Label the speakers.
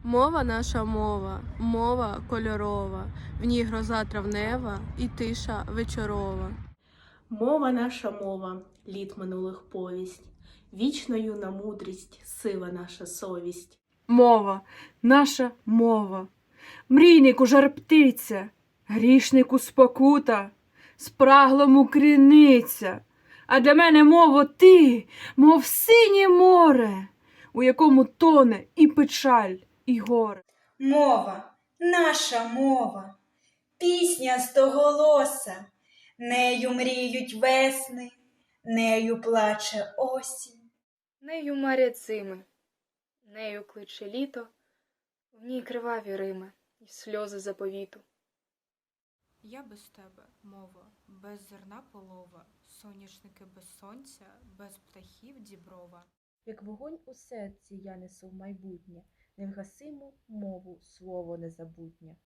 Speaker 1: Мова наша мова, мова кольорова, в ній гроза травнева і тиша вечорова.
Speaker 2: Мова наша мова, літ минулих повість, вічно юна мудрість, сива наша совість.
Speaker 3: Мова, наша мова, мрійнику жар птиця, грішнику спокута, спраглому криниця. А для мене, мово, ти, мов синє море, у якому тоне і печаль, і горе.
Speaker 4: Мова, наша мова, пісня стоголоса, нею мріють весни, нею плаче осінь.
Speaker 5: Нею марять зими, нею кличе літо, в ній криваві рими і сльози заповіту.
Speaker 6: Я без тебе, мова, без зерна полова, соняшники без сонця, без птахів діброва.
Speaker 7: Як вогонь у серці я несу в майбутнє, невгасиму мову, слово незабутнє.